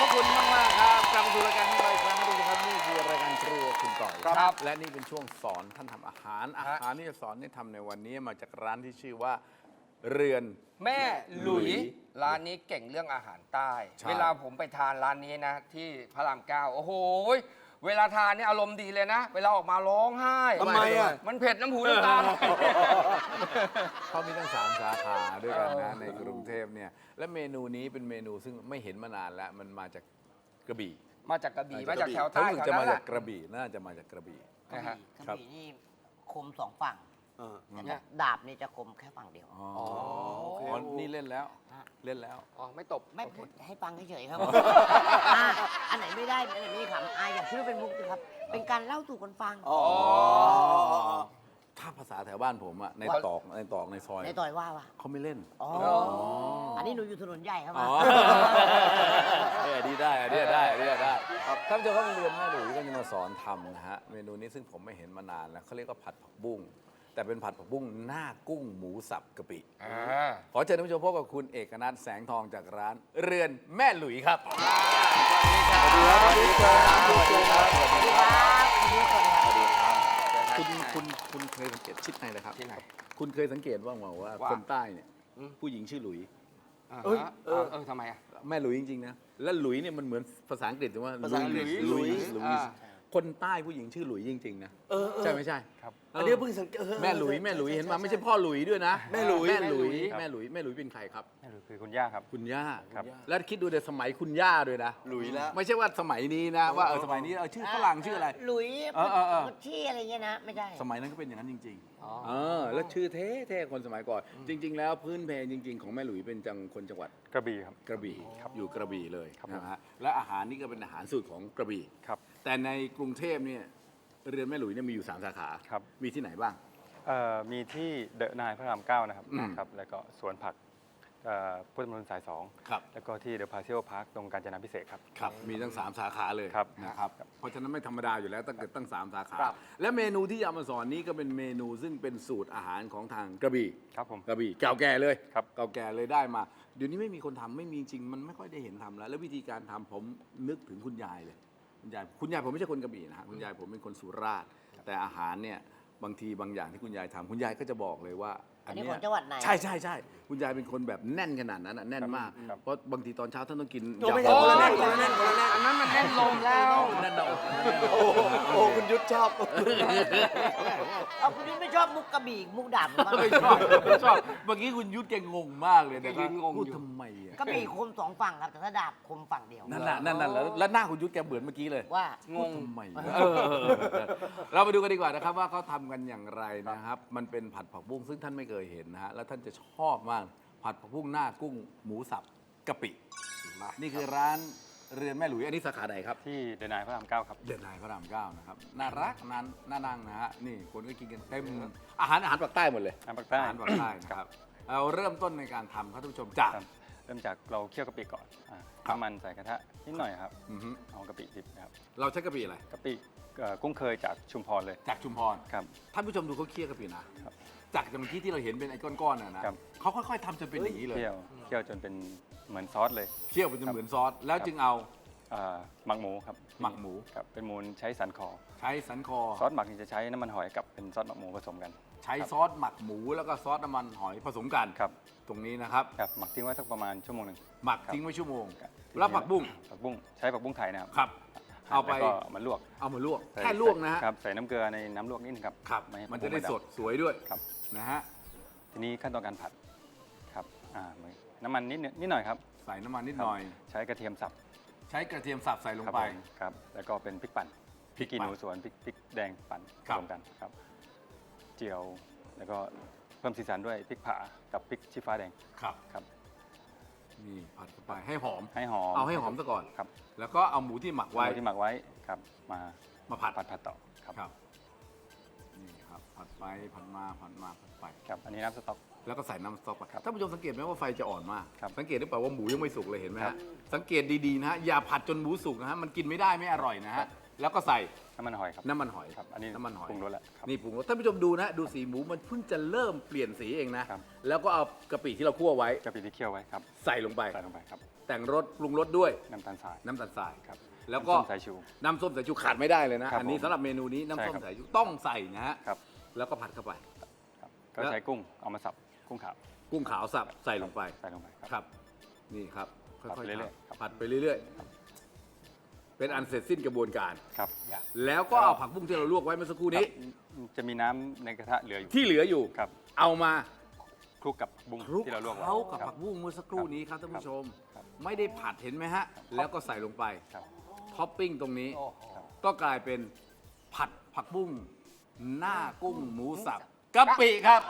ระคุณมากๆครับกลับมาสู่รายการของเราอีกครั้งนะทุกท่านนี่คือรายการครัวคุณต่อยครับและนี่เป็นช่วงสอนท่านทำอาหารที่จะสอนให้ทำในวันนี้มาจากร้านที่ชื่อว่าเรือนแม่หลุยร้านนี้เก่งเรื่องอาหารใต้ใช่เวลาผมไปทานร้านนี้นะ ที่พระรามเก้าโอ้โหเวลาทานนี่อารมณ์ดีเลยนะ เวลาออกมาร้องไห้ทำไมอ่ะมันเผ็ดน้ำหูน้ำตาเขามีตั้ง3 สาขาด้วยกันนะในกรุงเทพเนี่ยและเมนูนี้เป็นเมนูซึ่งไม่เห็นมานานแล้วมันมาจากกระบี่มาจากกระบี่มาจากแถวเขาใต้ถึงแถวจะนั้มานแหจากละกระบี่น่าจะมาจากกระบี่กระนะฮะบี่ครับนี่คม2 ฝั่งเออแต่ดาบนี่จะคมแค่ฝั่งเดียวอ๋อโอเคอ๋อนี่เล่นแล้วเล่นแล้วอ๋อไม่ตบไม่พูดให้ฟังเฉยๆครับอันไหนไม่ได้อันไหนไม่ขำอายอย่าคิดว่าเป็นมุกนะครับ เป็นการเล่าสู่กันฟังอ๋อถ้าภาษาแถวบ้านผมอะในตอกในซอยในต่อยว่าว่ะเขาไม่เล่นอ๋ออันนี้หนูอยู่ถนนใหญ่ครับอ๋ออันนี้ได้ครับท่านผู้ชมครับเรือนแม่หลุยก็จะมาสอนทำนะฮะเมนูนี้ซึ่งผมไม่เห็นมานานแล้วเขาเรียกว่าผัดผักบุ้งแต่เป็นผัดผักบุ้งหน้ากุ้งหมูสับกะปิ ขอเชิญท่านผู้ชมพบกับคุณเอกนัทแสงทองจากร้านเรือนแม่หลุยครับสวัสดีครับสวัสดีครับสวัสดีครับสวัสดีครับคุณเคยสังเกตชิดในเลยครับที่ไหนคุณเคยสังเกตว่าว่าว่าคนใต้เนี่ยผู้หญิงชื่อหลุยเอ้ยทำไมอ่ะแม่หลุยจริงๆนะและหลุยเนี่ยมันเหมือนภาษาอังกฤษแต่ว่าภาษาอังกฤษหลุยอ่าคนใต้ผู้หญิงชื่อหลุยจริงๆนะใช่ไม่ใช่ครับอันนี้เพิ่งสังเกตแม่หลุยเห็นมาไม่ใช่พ่อหลุยด้วยนะแม่หลุยแม่หลุยเป็นใครครับนั่นคือคุณย่าครับคุณย่าครับแล้วคิดดูในสมัยคุณย่าด้วยนะหลุยแล้วไม่ใช่ว่าสมัยนี้นะว่าสมัยนี้ชื่อฝรั่งชื่ออะไรหลุยเออชี่อะไรเงี้ยนะ ไม่ใช่สมัยนั้นก็เป็นอย่างนั้นจริงอ๋อๆแล้วชื่อเท่คนสมัยก่อน จริง ๆ แล้วพื้นเพจจริง ๆ ของแม่หลุยเป็นคนจังหวัดกระบี่ครับกระบี่อยู่กระบี่เลยครับนะฮะและอาหารนี่ก็เป็นอาหารสูตรของกระบี่ครับแต่ในกรุงเทพเนี่ยเรือนแม่หลุยเนี่ยมีอยู่3 สาขาครับมีที่ไหนบ้างมีที่เดอะนายพระรามเก้านะครับอืมครับ แล้วก็สวนผักพุทธมณฑลสายครับ 2 แล้วก็ที่เดอะพาเซียลพาร์คตรงกาญจนาพิเศษกครับครับมีตั้ง3 สาขาเลยครับนะครับเพราะฉะนั้นไม่ธรรมดาอยู่แล้วตั้งเกิดตั้ง3 สาขาครับและเมนูที่จะเอามาสอนนี้ก็เป็นเมนูซึ่งเป็นสูตรอาหารของทางกระบี่ครับผมกระบี่เก่าแก่เลยครับเก่าแก่เลยได้มา เดี๋ยวนี้ไม่มีคนทำไม่มีจริงมันไม่ค่อยได้เห็นทำแล้ว แล้ววิธีการทำผมนึกถึงคุณยายเลยคุณยายผมไม่ใช่คนกระบี่นะฮะคุณยายผมเป็นคนสุราษฎร์แต่อาหารเนี่ยบางทีบางอย่างที่คุณยายทำคุณยายก็จะบอกเลยว่าอันนี้เยของจังหวัดไหนใช่คุณยายเป็นคนแบบแน่นขนาดนั้นแน่นมากครับเพราะบางทีตอนเช้าท่านต้องกินโอ้ไม่ใช่คนละแน่นคนละแน่นคนละแน่นอันนั้นมันแน่นลมแล้วแน่นหนาอกโอ้โหคุณยุทธชอบเอาคุณนี่ไม่ชอบมุกกระบี่มุกดาบมั้างไม่ชอบเมื่อกี้คุณยุทธแกงงมากเลยนะครับยืนงงอยู่พูดทำไมอ่ะกระบี่คม2 ฝั่งครับ แต่ถ้าดาบคมฝั่งเดียวนั่นแล้วหน้าคุณยุทธแกเหมือนเมื่อกี้เลยว่าพูดทำไมเราไปดูกันดีกว่านะครับว่าเขาทำกันอย่างไรนะครับ มันเป็นผัดผักบุ้งซึ่งท่านไม่เคยเห็นนะฮะแล้วท่านจะชอบมากผัดผักบุ้งหน้ากุ้งหมูสับกะปินี่คือร้านเรือนแม่หลุยอันนี้สาขาไหนครับที่เดอะนายพระรามเก้าครับเดือนนายพระรามเก้านะครับน่ารักน่านั่งนะฮะนี่คนก็กินกันเต็มอาหารปากใต้หมดเลยอาหารปากใต้อาหารปากใต้นะครับเราเริ่มต้นในการทำครับท่านผู้ชมจากครับเริ่มจากเราเคี่ยวกะปิก่อนครับน้ำมันใส่กระทะนิดหน่อยครับอือฮึเอากะปิดิบนะครับเราใช้กะปิอะไรกะปิกุ้งเคยจากชุมพรเลยจากชุมพรครับท่านผู้ชมดูเขาเคี่ยวกะปินะครับ จากเมื่อกี้ที่เราเห็นเป็นไอ้ก้อนๆน่ะนะครับ เขาค่อยๆทำจนเป็นอย่างนี้เลยเคี่ยวจนเป็นเหมือนซอสเลยเคี่ยวเป็นจนเหมือนซอสแล้วจึงเอาหมักหมูครับหมักหมูครับเป็นหมูใช้สันคอใช้สันคอซอสหมักนี่จะใช้น้ำมันหอยกับเป็นซอสหมักหมูผสมกันใช้ซอสหมักหมูแล้วก็ซอสน้ำมันหอยผสมกันครับตรงนี้นะครับครับหมักทิ้งไว้สักประมาณชั่วโมงหนึ่งหมักครับทิ้งไว้ชั่วโมงครับแล้วผักบุ้งผักบุ้งใช้ผักบุ้งไทยนะครับครับ เอาไปแล้วก็มาลวกเอามาลวกใส่แค่ลวกนะฮะครับใส่น้ำเกลือในน้ำลวกนิดนึงครับครับไให้มันจะได้ผักสบุ้ดงสวยด้วยครับนะฮะทีนี้ขั้นตอนการผัดครับน้ำมันนิดหน่อยครับใส่น้ำมันนิดหน่อยใช้กระเทียมสับใช้กระเทียมสับใส่ลงครับไปผมครับแล้วก็เป็นพริกปั่นพริกขี้ปั่หนนูสวนพริกแดงปั่นผครับสมกันครับเจียวแล้วก็เพิ่มสีสันด้วยพริกผากับพริกชี้ฟ้าแดงครับครับนี่ผัดเข้าไปให้หอมให้หอมเอาให้หอมซะก่อนครับแล้วก็เอาหมูที่หมักไว้ไว้ที่หมักไว้ครับมามาผัดผัดต่อครับครับนี่ครับผัดไปผัดมาผัดไปครับอันนี้น้ำสต๊อกแล้วก็ใส่น้ำสต๊อกไปครับท่านผู้ชมสังเกตไหมว่าไฟจะอ่อนมากครับสังเกตได้เปล่าว่าหมูยังไม่สุกเลยเห็นไหมครัฮะบสังเกตดีๆนะฮะอย่าผัดจนหมูสุกนะฮะมันกินไม่ได้ไม่อร่อยนะฮะแล้วก็ใส่น้ำมันหอยครับน้ำมันหอยครับอันนี้น้ำมันหอยปรุงรสแล้วครับนี่ปรุงรสท่านผู้ชมดูนะดูสีหมูมันเพิ่งจะเริ่มเปลี่ยนสีเองนะครับแล้วก็เอากะปิที่เราคั่วไว้กะปิที่เคี่ยวไว้ครับใส่ลงไปใส่ลงไปครับแต่งรสปรุงรสด้วยน้ำตาลทรายน้ำตาลทรายครับแล้วก็น้ำส้มสายชูน้ำส้มสายชูขาดไม่ได้เลยนะครับอันนี้ผมสำหรับเมนูนี้น้ำส้มใช่ครับสายชูต้องใส่นะฮะครับแล้วก็ผัดเข้าไปก็ใช้กุ้งเอามาสับกุ้งขาวกุ้งขาวสับใส่ลงไปใส่ลงไปครับ นี่ครับค่ผัดอยไปๆเรื่อยๆครับผัดไปเรื่อยๆ เป็นอันเสร็จสิ้นกระบวนการครับแล้วก็เอาผักบุ้งที่เราลวกไว้เมื่อสักครู่นี้จะมีน้ำในกระทะเหลืออยู่ที่เหลืออยู่ครับเอามาคลุกกับบุ้งคลุกที่เราลวกไว้เคล้ากับครัผักบุ้งเมื่อสักครู่นี้ครับท่านผู้ชมครับไม่ได้ผัดเห็นไหมฮะ แล้วก็ใส่ลงไปครับท็อปปิ้งตรงนี้โอ้โหก็กลายเป็นผัดผักบุ้งหน้ากุ้งหมูสับกะปิครับ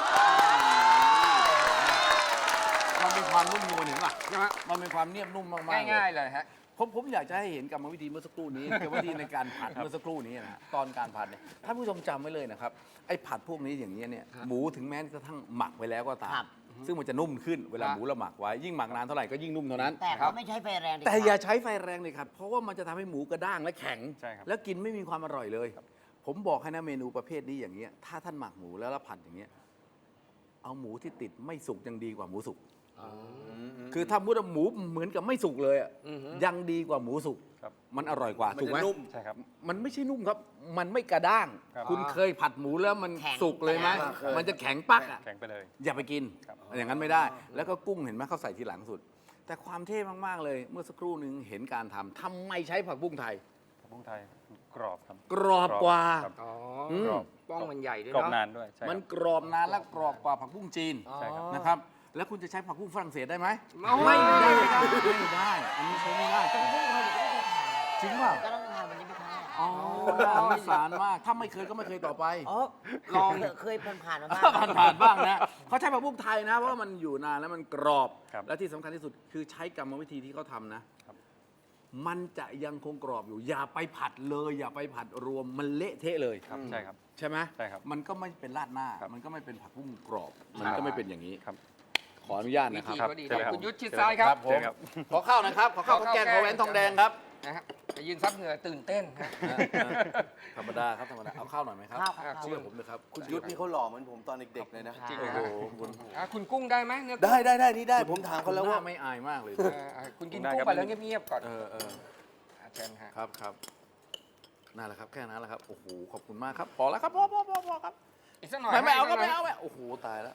มันเป็นความนุ่มนวลเห็นป่ะนะฮะมันเป็นความเนียบนุ่มมากๆง่ายๆเลยฮะผมอยากจะให้เห็นกรรมวิธีเมื่อสักครู่นี้ กรรมวิธีในการผัดเมื่อสักครู่นี้นะฮะตอนการผัดเนี่ยท่านผู้ชมจำไว้เลยนะครับไอ้ผัดพวกนี้อย่างนี้ยเนี่ยหมูถึงแม้กระทั่งหมักไว้แล้วก็ตามครับซึ่งมันจะนุ่มขึ้นเวลาครับหมูเราหมักไว้ยิ่งหมักนานเท่าไหร่ก็ยิ่งนุ่มเท่านั้นแต่ครัก็บไม่ใช้ไฟแรงดิแต่อย่าใช้ไฟแรงเลยครับเพราะว่ามันจะทำให้หมูกระด้างและแข็งใช่ครับแล้วกินไม่มีความอร่อยเลย ผมบอกให้นะเมนูประเภทนี้อย่างเงี้ยถ้าท่านหมักหมูแล้วผัดอย่างเงี้ยเอาหมูที่ติดไม่สุกยังดีกว่าหมูสุก คือถ้ามุดหมูเหมือนกับไม่สุกเลยอะอือฮึยังดีกว่าหมูสุกครับมันอร่อยกว่ามันถูกไหมจะนุ่มใช่ครับมันไม่ใช่นุ่มครับ มันไม่กระด้างครับคุณเคยผัดหมูแล้วมันแข็งสุกเลยไหมเคยมันจะแข็งปักอะแข็งไปเลยอย่าไปกินครับอย่างนั้นไม่ได้ แล้วก็กุ้งเห็นไหมเขาใส่ทีหลังสุด แต่ความเท่มากๆเลย เมื่อสักครู่หนึ่งเห็นการทำทำไมใช้ผักบุ้งไทยผักบุ้งไทยกรอบครับกรอบกว่าครับอ๋ออืมกรอบป้องมันใหญ่ด้วยกรอบเนาะนานด้วยใช่ครับมันกรอบนานและกรอบกว่าผักบุ้งจีนอ๋อใช่ครับนะครับ แล้วคุณจะใช้ผักบุ้งฝรั่งเศสได้ไหมไม่ได้ครับไม่ได้ อันนี้ใช้ไม่ได้แต่พวกเราเด็กก็ไม่เคยทานจริงเปล่าก็ต้องทานวันนี้ไม่ทานอ๋อน่าสงสารมาก ถ้าไม่เคยก็ไม่เคยต่อไปอ๋อลองเคยผ่านๆมาบ้างผ่านๆบ้างนะ เขาใช้ผักบุ้งไทยนะ เพราะว่ามันอยู่นานแล้วมันกรอบครับและที่สำคัญที่สุดคือใช้กรรมวิธีที่เขาทำนะครับมันจะยังคงกรอบอยู่ อย่าไปผัดเลย อย่าไปผัดรวม มันเละเทะเลยครับใช่ครับใช่ไหมใช่ครับมันก็ไม่เป็นราดหน้าครับมันก็ไม่เป็นผักบุ้งกรอบ มันก็ไม่เป็นอย่างนี้ครับขออนุญาตวินะครับธีก็ดีใช่ครับคุณยุทธชิดซ้ายครับผม ขอข้าวนะครับ ขอข้าวข้าวแกงขอแหวนทองแดงครับนะฮะจะยืนซับเหงื่อตื่นเต้นฮะธรรมดาครับธรรมดา เอาข้าวหน่อยไหมครับข้าวครับเชื่อผมเลยครับคุณยุทธนี่เขาหล่อเหมือนผมตอนเด็กๆเลยนะจริงโอ้นะโหฮะคุณอ่ะคุณกุ้งได้ไหมเนื้อกุ้งได้นี่ได้ผมถามเขาแล้วหว่าน้าไม่อายมากเลยคุณกินได้กุ้งครับไปแล้วเงียบๆก่อนเออเชิญฮะครับครับนั่นแหละครับแค่นั้นแหละครับ โอ้โห ขอบคุณมากครับ พอแล้วครับ พอครับอีกสักหน่อยไม่เอากก็สักหน่ไม่ยเอาโอ้โห ตายแล้ว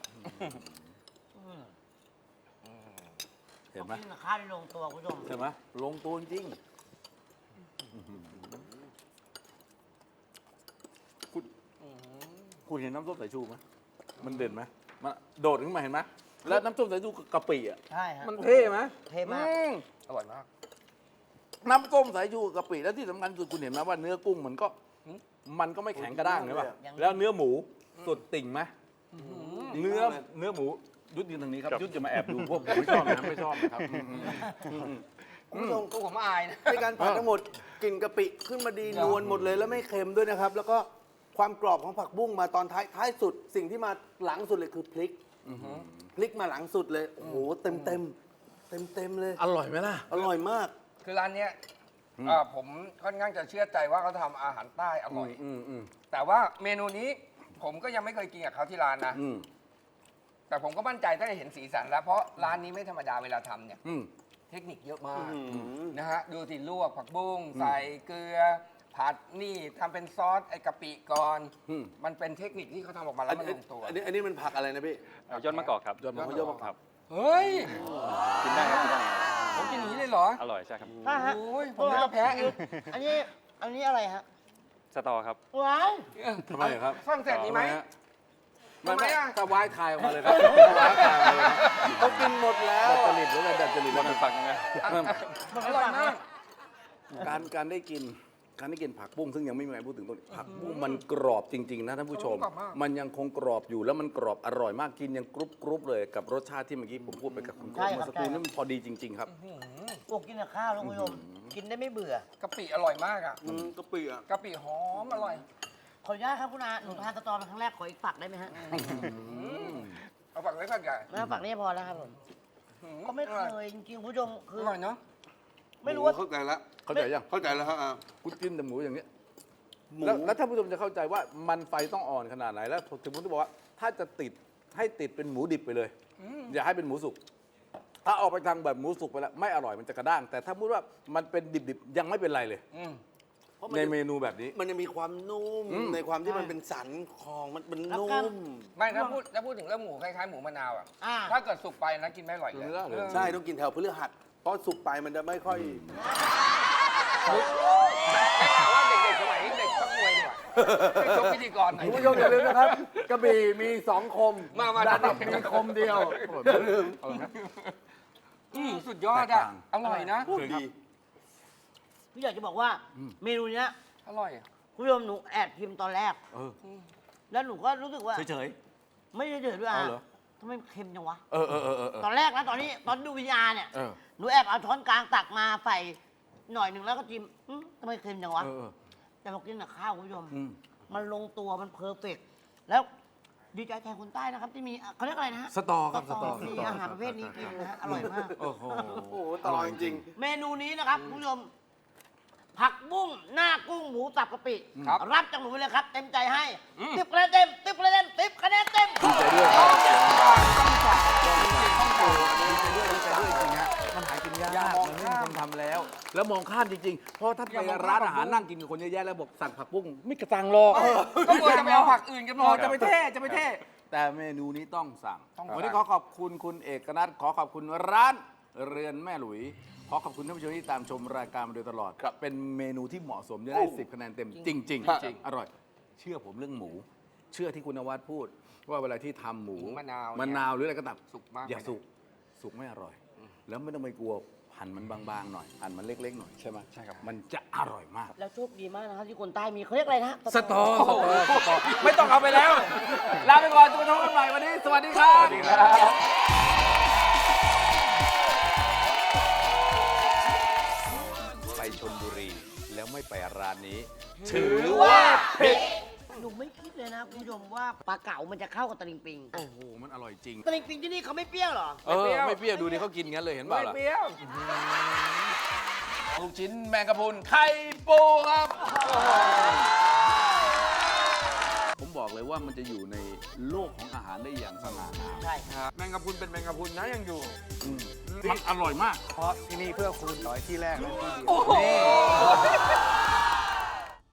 เห็นไหมกินกับข้าวได้ลงตัวคุณผู้ชมเห็นไหมลงตัวจริงคุณเห็นน้ำส้มสายชูไหมมันเด่นไหมมันโดดขึ้นมาเห็นไหมแล้วน้ำส้มสายชูกับกะปิอ่ะใช่ฮะมันเท่ไหมเท่มากอร่อยมากน้ำส้มสายชูกับกะปิแล้วที่สำคัญคือคุณเห็นไหมว่าเนื้อกุ้งมันก็ไม่แข็งกระด้างเลยป่ะยังแล้วเนื้อหมูสุดติ่งไหมเนื้อหมูยุดยืนทางนี้ครับยุดจะมาแอบดูพวกผมไม่ชอบนะไม่ชอบนะครับคุณผู้ชมกูผมอายนะในการผัดทั้งหมดกลิ่นกะปิขึ้นมาดีนวลหมดเลยแล้วไม่เค็มด้วยนะครับ แล้วก็ความกรอบของผักบุ้งมาตอนท้ายสุด สิ่งที่มาหลังสุดเลยคือพริกพริกมาหลังสุดเลยโอ้โหเต็มเลยอร่อยไหมล่ะอร่อยมากคือร้านเนี้ยผมค่อนข้างจะเชื่อใจว่าเขาทำอาหารใต้อร่อย แต่ว่าเมนูนี้ผมก็ยังไม่เคยกินกับเขาที่ร้านนะ แต่ผมก็มั่นใจตั้งแต่เห็นสีสันแล้ว เพราะร้านนี้ไม่ธรรมดาเวลาทำเนี่ย เทคนิคเยอะมากนะฮะ ดูสิลวกผักบุ้งใส่เกลือ ผัดนี่ทำเป็นซอสไอ้กะปิก่อน มันเป็นเทคนิคที่เขาทำออกมาแล้วมันลงตัวอันนี้มันผักอะไรนะพี่ยอดมะกอกครับยอดมะกอกยอดมะกอกครับเฮ้ยกินได้ครับกินได้ผมกินอย่างนี้เลยเหรออร่อยใช่ครับใช่ฮะโอ้ยผมนึกว่าแพ้เองอันนี้อะไรฮะสตอครับว้าวทำไมครับฝรั่งเศสมีไหมไม่ทำไมอะถ้าว้ายคายออกมาเลยครับว้ายคายออกมาเลยครับเขากินหมดแล้วดัดจริตหรือไงดัดจริตมันเป็นฝักยังไงอร่อยมากการได้กินผักบุ้งซึ่งยังไม่มีใครพูดถึงตรงนี้ผักบุ้งมันกรอบจริง ๆ นะท่านผู้ชมกรอบมากมันยังคงกรอบอยู่แล้วมันกรอบอร่อยมากกินยังกรุบเลยกับรสชาติที่เมื่อกี้ผมพูดไปกับคุณโก้ใช่ครับเมื่อสักครู่นี้มันพอดีจริง ๆ ครับโอ้กินกับข้าวแล้วคุณผู้ชม กินได้ไม่เบื่อกะปิอร่อยมากอ่ะกะปิอ่ะกะปิหอมอร่อยขออนุญาตครับคุณอาหนูทานสตอเป็นครั้งแรกขออีกฝักได้ไหมฮะเอาฝักเล็กฝักใหญ่ไม่เอาฝักนี้พอแล้วครับผม ก็ไม่เคยจริงๆคุณผู้ชมคืออร่อยเนาะไม่รู้ว่าเข้าใจแล้วเข้าใจยังเข้าใจแล้วครับคุณกินแต่หมูอย่างนี้ยหมูแล้วท่านผู้ชมจะเข้าใจว่ามันไฟต้องอ่อนขนาดไหนแล้วถึงผมจะบอกว่าถ้าจะติดให้ติดเป็นหมูดิบไปเลย อย่าให้เป็นหมูสุกถ้าออกไปทางแบบหมูสุกไปแล้วไม่อร่อยมันจะกระด้าง แต่ถ้าพูดว่ามันเป็นดิบๆยังไม่เป็นไรเลยเพราะมันในเมนูแบบนี้มันจะมีความนุ่ม ในความที่มันเป็นสันคองมันเป็นแล้วนุ่ก็มไม่ถ้าพูดถึงเรื่องหมูคล้ายๆหมูมะนาวอ่ะอ่าถ้าเกิดสุกไปนะกินไม่อร่อยเลยเนื้อเลยใช่ต้องกินแถวพฤหัสเพราะสุกไปมันจะไม่ค่อยได้ข่าวว่าเด็กๆสมัยเด็กชกมวยดีกว่าไม่ชกพิธีกรหน่อยคุณผู้ชมอย่าลืมนะครับ กระบี่มี2 คมมาดาบมีคมเดียวสุดยอดอ่ะอร่อยนะดีพี่อยากจะบอกว่าเมนูเนี้ยอร่อยอะคุณผู้ชมหนูแอบชิมตอนแรกเออแล้วหนูก็รู้สึกว่าเฉยไม่ได้เดือดด้วยอ่ะเอาเหรอทำไมเค็มจังวะๆเออตอนแรกนะตอนดูวิญญาณเนี่ยเออหนูแอบเอาช้อนกลางตักมาใส่หน่อยหนึ่งแล้วก็จิ้มทำไมเค็มจังวะเออแต่พอกินกับข้าวคุณผู้ชมอืมมันลงตัวมันเพอร์เฟกต์แล้วดีใจแทนคนใต้นะครับ ที่มีเขาเรียกอะไรนะฮะสตอครับสตอมีอาหารประเภทนี้กินนะฮะอร่อยมากโอ้โหโอ้โหตลอดจริงเมนูนี้นะครับคุณผู้ชม ผักบุ้งหน้ากุ้งหมูสับกะปิครับรับจากหนูไปเลยครับ เต็มใจให้ติ๊บคะแนนเต็มติ๊บคะแนนเต็มติ๊บคะแนนเต็มดีใจด้วยครับดีใจด้วยจริงฮะมันหากินยากมันไม่มีคนทำแล้ว แล้วมองข้ามจริงๆ เพราะถ้าไปร้านอาหารนั่งกินกับคนเยอะแยะแล้วบอกสั่งผักบุ้งไม่กระตังหรอกก็ควรจะไปเอาผักอื่นกันหมดจะไปเท่ แต่เมนูนี้ต้องสั่งต้องสั่งวันนี้ขอขอบคุณคุณเอกนัทขอขอบคุณร้านเรือนแม่หลุย ขอขอบคุณท่านผู้ชมที่ตามชมรายการมาโดยตลอด เป็นเมนูที่เหมาะสมจะได้10 คะแนนเต็มจริงๆครับจริงอร่อย เชื่อผมเรื่องหมู เชื่อที่คุณนวัดพูด ว่าเวลาที่ทำหมูหมูมะนาวมะนาวหรืออะไรก็ตามสุกมากอย่าสุกไม่อร่อย แล้วไม่ต้องไปกลัวหั่นมันบางๆหน่อยหั่นมันเล็กๆหน่อยใช่ไหมใช่ครับมันจะอร่อยมากแล้วโชคดีมากนะครับที่คนใต้มีเขาเรียกอะไรนะสตอไม่ต้องเอาไปแล้ว ลาไปก่อนทุกท่านใหม่วันนี้ สวัสดีครับ ไปชลบุรีแล้วไม่ไปร้านนี้ ถือว่าผิดหนูไม่คิดเลยนะคุณผู้ชมว่าปลาเก๋ามันจะเข้ากับตะลิงปิงโอ้โห มันอร่อยจริงตะลิงปิงที่นี่เขาไม่เปรี้ยวเหรอไม่เปรี้ยวดูดิเขากินงั้นเลยเห็นเปล่าไม่ล่ะเปรี้ยวลูกชิ้นแมงกะพรุนไข่ปูครับ ผมบอกเลยว่ามันจะอยู่ในโลกของอาหารได้อย่างสง่างามใช่แมงกะพรุนเป็นแมงกะพรุนนะยังอยู่มันอร่อยมากเพราะที่นี่เพื่อคุณต่อยที่แรกและที่เดียวโอ้โห